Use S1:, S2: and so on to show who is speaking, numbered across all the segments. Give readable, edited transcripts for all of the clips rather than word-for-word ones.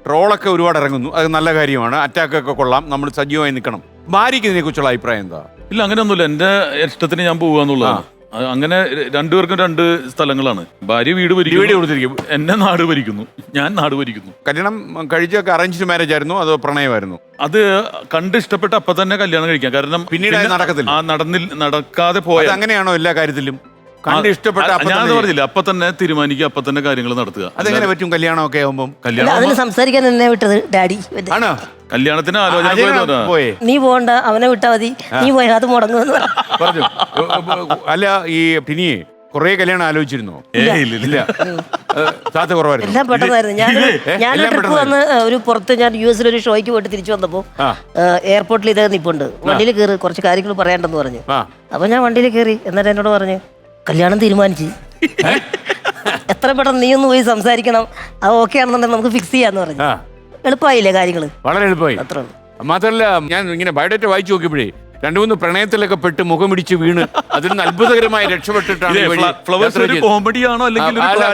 S1: ട്രോളൊക്കെ ഒരുപാട് ഇറങ്ങുന്നു, അത് നല്ല കാര്യമാണ്. അറ്റാക്കൊക്കെ കൊള്ളാം, നമ്മൾ സജീവമായി നിൽക്കണം. ഭാര്യയ്ക്ക് ഇതിനെക്കുറിച്ചുള്ള അഭിപ്രായം എന്താ?
S2: ഇല്ല, അങ്ങനെയൊന്നുമില്ല. എന്റെ ഇഷ്ടത്തിന് ഞാൻ പോവാന്നുള്ളതാണ്. അങ്ങനെ രണ്ടുപേർക്കും രണ്ട് സ്ഥലങ്ങളാണ്. ഭാര്യ വീട് ഭരിക്കും, എന്നെ നാട് ഭരിക്കുന്നു, ഞാൻ നാട് ഭരിക്കുന്നു.
S1: കല്യാണം കഴിച്ചൊക്കെ അറേഞ്ച്ഡ് മാരേജ് ആയിരുന്നു അതോ പ്രണയമായിരുന്നു?
S2: അത് കണ്ട് ഇഷ്ടപ്പെട്ട് അപ്പൊ തന്നെ കല്യാണം കഴിക്കാം. കാരണം
S1: പിന്നീട്
S2: നടക്കാതെ പോയത്.
S1: അങ്ങനെയാണോ എല്ലാ കാര്യത്തിലും? കണ്ട് ഇഷ്ടപ്പെട്ട
S2: ഞാൻ പറഞ്ഞില്ല, അപ്പൊ തന്നെ തീരുമാനിക്കുക, അപ്പൊ തന്നെ കാര്യങ്ങൾ നടത്തുക.
S1: അതെങ്ങനെ പറ്റും കല്യാണം ഒക്കെ ആവുമ്പം?
S3: അതിന് സംസാരിക്കാൻ എന്നെ വിട്ടത് ഡാഡി.
S1: ആണോ?
S2: കല്യാണത്തിന് ആലോചന
S1: പോയേ?
S3: നീ പോകണ്ട, അവനെ വിട്ടാ മതി, നീ പോയാൽ അത് മുടങ്ങുമെന്ന്
S1: പറഞ്ഞു. അല്ല, ഈ ടിനിയെ കൊറേ കല്യാണം ആലോചിച്ചിരുന്നോ?
S2: ഇല്ല,
S1: സാധ്യത കുറവായിരുന്നു.
S3: എല്ലാം പെട്ടെന്നായിരുന്നു. ഞാൻ ട്രിപ്പ് വന്ന് ഒരു പുറത്ത് ഞാൻ US ഒരു ഷോയ്ക്ക് പോയിട്ട് തിരിച്ചു വന്നപ്പോ എയർപോർട്ടിൽ ഇതേ നിപ്പുണ്ട്, വണ്ടിയിൽ കയറി കുറച്ച് കാര്യങ്ങൾ പറയാണ്ടെന്ന് പറഞ്ഞു. അപ്പൊ ഞാൻ വണ്ടിയിൽ കയറി. എന്നിട്ട് എന്നോട് പറഞ്ഞു, കല്യാണം തീരുമാനിച്ചു, എത്ര പെട്ടെന്ന് നീ ഒന്ന് പോയി സംസാരിക്കണം, അത് ഓക്കെ ആണെന്നുണ്ടെങ്കിൽ നമുക്ക് ഫിക്സ് ചെയ്യാന്ന് പറഞ്ഞു. എളുപ്പമായില്ലേ കാര്യങ്ങള്?
S1: വളരെ എളുപ്പമായി.
S3: അത്ര
S1: മാത്രമല്ല, ഞാൻ ഇങ്ങനെ ബയോഡേറ്റ വായിച്ചു നോക്കിയപ്പോഴേ 2-3 പ്രണയത്തിലൊക്കെ പെട്ട് മുഖമിടിച്ച് വീണ് അതിൽ നിന്ന് അത്ഭുതകരമായി രക്ഷപ്പെട്ടിട്ടാണ്.
S2: കോമഡിയാണോ അല്ലെങ്കിൽ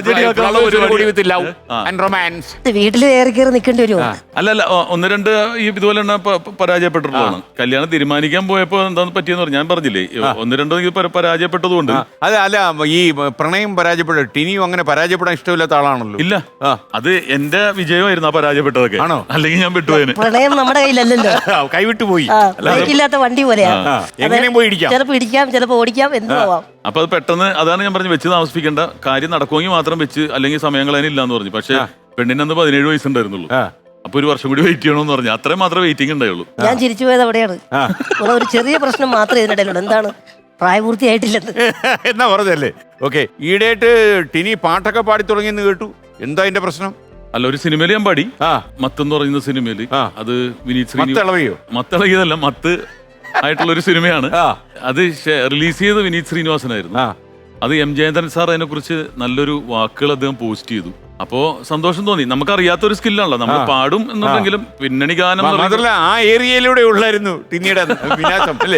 S3: വീട്ടിൽ ഏറി കയറി നിൽക്കേണ്ടി വരുമോ?
S2: അല്ലല്ല, 1-2 ഇതുപോലെ പരാജയപ്പെട്ടിട്ടുള്ളതാണ്. കല്യാണം തീരുമാനിക്കാൻ പോയപ്പോ എന്താന്ന് പറ്റിയെന്ന് പറഞ്ഞു. ഞാൻ പറഞ്ഞില്ലേ, 1-2 പരാജയപ്പെട്ടതുകൊണ്ട്.
S1: അല്ല, ഈ പ്രണയം പരാജയപ്പെട്ട ടിനിയും അങ്ങനെ പരാജയപ്പെടാൻ ഇഷ്ടമില്ലാത്ത ആളാണല്ലോ.
S2: ഇല്ല, അത് എന്റെ വിജയമായിരുന്നു ആ പരാജയപ്പെട്ടതൊക്കെ. ആണോ? അല്ലെങ്കിൽ ഞാൻ വിട്ടുപോയതിന്.
S3: പ്രണയം നമ്മുടെ കയ്യിലല്ലല്ലോ,
S1: കൈവിട്ടു പോയി.
S3: ഇല്ലാത്ത വണ്ടി ചിലപ്പോ ഇടിക്കാം, ചിലപ്പോ ഓടിക്കാം, എന്തുവാം.
S2: അപ്പൊ അത് പെട്ടെന്ന്, അതാണ് ഞാൻ പറഞ്ഞു, വെച്ച് താമസിപ്പിക്കേണ്ട, കാര്യം നടക്കുമെങ്കിൽ മാത്രം വെച്ച്, അല്ലെങ്കിൽ സമയം കളയാനില്ല എന്ന് പറഞ്ഞു. പക്ഷെ പെണ്ണിന് അന്ന് 17 വയസ്സുണ്ടായിരുന്നുള്ളൂ. അപ്പൊ 1 വർഷം കൂടി വെയിറ്റ് ചെയ്യണമെന്ന് പറഞ്ഞു. അത്രയും മാത്രമേ വെയിറ്റിംഗ് ഉണ്ടായുള്ളൂ.
S3: ഞാൻ ചിരിച്ചു പോയത് അവിടെയാണ്. ഒരു ചെറിയ പ്രശ്നം മാത്രമേ ഇതിനിടയിലുള്ളൂ. എന്താണ്? പ്രായപൂർത്തിയായിട്ടില്ലെന്ന്
S1: എന്നാ പറഞ്ഞല്ലേ? ഓക്കെ. ഈയിടെയായിട്ട് ടിനി പാട്ടൊക്കെ പാടി തുടങ്ങിയെന്ന് കേട്ടു. എന്താ അതിന്റെ പ്രശ്നം?
S2: അല്ല, ഒരു സിനിമയിൽ ഞാൻ പാടി, മത്തെന്ന് പറയുന്ന സിനിമയില്. അത് വിനീത്
S1: ശ്രീനിവാസോ?
S2: മത്തളകിയതല്ല, മത്ത് ആയിട്ടുള്ള ഒരു സിനിമയാണ്. അത് റിലീസ് ചെയ്ത് വിനീത് ശ്രീനിവാസനായിരുന്നു. അത് M. ജയന്തൻ സാർ അതിനെ കുറിച്ച് നല്ലൊരു വാക്കുകൾ അദ്ദേഹം പോസ്റ്റ് ചെയ്തു. അപ്പോ സന്തോഷം തോന്നി. നമുക്കറിയാത്തൊരു സ്കില്ലാണല്ലോ, നമ്മൾ പാടും എന്നുണ്ടെങ്കിലും പിന്നണി ഗാനം
S1: മാത്രമല്ല ആ ഏരിയയിലൂടെ ഉള്ളായിരുന്നു ടിനിയുടെ വിനാശം അല്ലേ?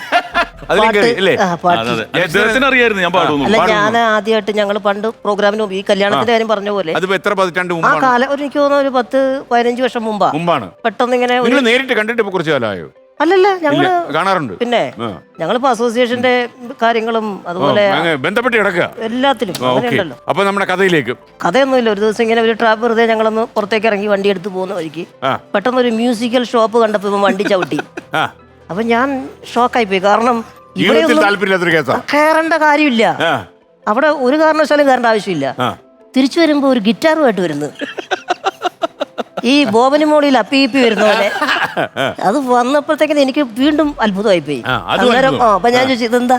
S2: അദ്ദേഹത്തിന് അറിയായിരുന്നു ഞാൻ പാടുന്നു.
S3: ഞാൻ ആദ്യമായിട്ട് ഞങ്ങൾ പണ്ട് പ്രോഗ്രാമിന് ഈ കല്യാണത്തിന്റെ കാര്യം പറഞ്ഞ പോലെ
S1: എത്ര പതിറ്റാണ്ട്
S3: ആ കാലം, എനിക്ക് തോന്നുന്നു ഒരു 10-15 വർഷം മുമ്പാണ്. പെട്ടെന്ന് ഇങ്ങനെ
S1: നേരിട്ട് കണ്ടിട്ട് ഇപ്പൊ കുറച്ച് കാലമായോ?
S3: അല്ലല്ല, ഞങ്ങള്
S1: കാണാറുണ്ട്.
S3: പിന്നെ ഞങ്ങളിപ്പോ അസോസിയേഷന്റെ കാര്യങ്ങളും അതുപോലെ
S1: ബന്ധപ്പെട്ട് കിടക്കുക എല്ലാത്തിലും. അപ്പൊ നമ്മുടെ കഥയിലേക്ക്.
S3: കഥയൊന്നുമില്ല. ഒരു ദിവസം ഇങ്ങനെ ഒരു ട്രാപ്പ് വെറുതെ ഞങ്ങളൊന്ന് പുറത്തേക്ക് ഇറങ്ങി വണ്ടി എടുത്ത് പോകുന്ന വഴിക്ക് പെട്ടെന്ന് ഒരു മ്യൂസിക്കൽ ഷോപ്പ് കണ്ടപ്പോ ഇവൻ വണ്ടി ചവിട്ടി. അപ്പൊ ഞാൻ ഷോക്കായി പോയി. കാരണം ഇവിടെ കയറേണ്ട കാര്യമില്ല, അവിടെ ഒരു കാരണവശാലും കയറേണ്ട ആവശ്യമില്ല. തിരിച്ചു വരുമ്പോ ഒരു ഗിറ്റാറുമായിട്ട് വരുന്നു, ഈ ബോബന് മോളിൽ അപ്പി വരുന്ന പോലെ. അത് വന്നപ്പോഴത്തേക്കിന് എനിക്ക് വീണ്ടും അത്ഭുതമായി പോയി. അന്നേരം അപ്പൊ ഞാൻ ചോദിച്ചു, ഇതെന്താ?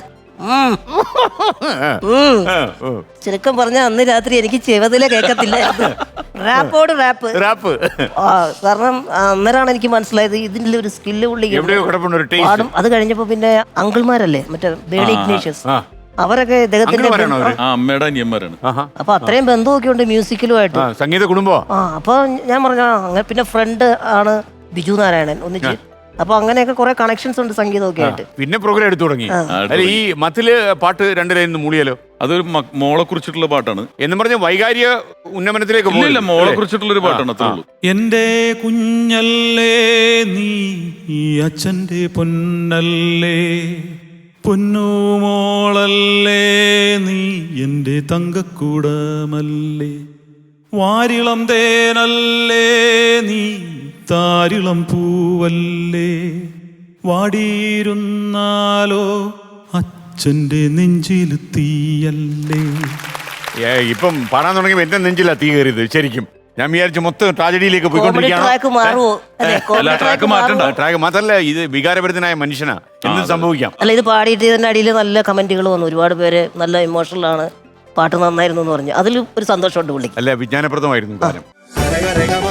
S3: ചുരുക്കം പറഞ്ഞ അന്ന് രാത്രി എനിക്ക് ചെവതിലെ കേൾക്കത്തില്ലായിരുന്നു, റാപ്പോട് റാപ്പ്. കാരണം അന്നേരമാണ് എനിക്ക് മനസ്സിലായത് ഇതിന്റെ ഒരു സ്കില്ല് പുള്ളി പാടും. അത് കഴിഞ്ഞപ്പോ പിന്നെ അങ്കിൾമാരല്ലേ, മറ്റേ ബേണി ഇഗ്നേഷ്യസ്, അവരൊക്കെ ഇദ്ദേഹത്തിന്റെ
S2: അമ്മയുടെ അനിയന്മാരാണ്.
S3: അപ്പൊ അത്രയും ബന്ധമൊക്കെ ഉണ്ട് മ്യൂസിക്കലുമായിട്ട്,
S1: സംഗീത കുടുംബം.
S3: അപ്പൊ ഞാൻ പറഞ്ഞ അങ്ങനെ. പിന്നെ ഫ്രണ്ട് ആണ് ബിജു നാരായണൻ, ഒന്നിച്ച്. അപ്പൊ അങ്ങനെയൊക്കെ കുറെ കണക്ഷൻസ് ഉണ്ട് സംഗീതമൊക്കെ ആയിട്ട്.
S1: പിന്നെ പ്രോഗ്രാം എടുത്തു തുടങ്ങി. ഈ മത്തില് പാട്ട് 2 ലൈൻ മൂളിയാലോ?
S2: അതൊരു മോളെ കുറിച്ചിട്ടുള്ള പാട്ടാണ്
S1: എന്ന് പറഞ്ഞ വൈകാരിക ഉന്നമനത്തിലേക്ക്
S2: പോയില്ല, മോളെ കുറിച്ചിട്ടുള്ള ഒരു പാട്ടാണ്. അത്രേ ഉള്ളൂ. എന്റെ കുഞ്ഞല്ലേ നീ ഈ അച്ഛന്റെ പൊന്നല്ലേ, പൊന്നുമോളല്ലേ നീ എന്റെ തങ്കക്കൂടമല്ലേ, വാരിളം തേനല്ലേ നീ താരിളം പൂവല്ലേ, വാടിയിരുന്നാലോ അച്ഛന്റെ നെഞ്ചിൽ തീയല്ലേ.
S1: ഇപ്പം പാടാൻ തുടങ്ങി എന്റെ നെഞ്ചിലാ തീ കയറിയത് ശരിക്കും. ഞാൻ വിചാരിച്ചു മൊത്തം ട്രാജഡിയിലേക്ക് ട്രാക്ക് മാത്രല്ല, ഇത് വികാരഭരിതനായ മനുഷ്യനാ, എന്ത് സംഭവിക്കാം.
S3: അല്ല, ഇത് പാടിയിട്ട് ഇതിന്റെ അടിയിൽ നല്ല കമന്റുകൾ വന്നു. ഒരുപാട് പേര് നല്ല ഇമോഷണൽ ആണ്, പാട്ട് നന്നായിരുന്നു എന്ന് പറഞ്ഞു. അതിൽ ഒരു സന്തോഷമുണ്ട് പുള്ളിക്ക്.
S1: അല്ല, വിജ്ഞാനപ്രദമായിരുന്നു.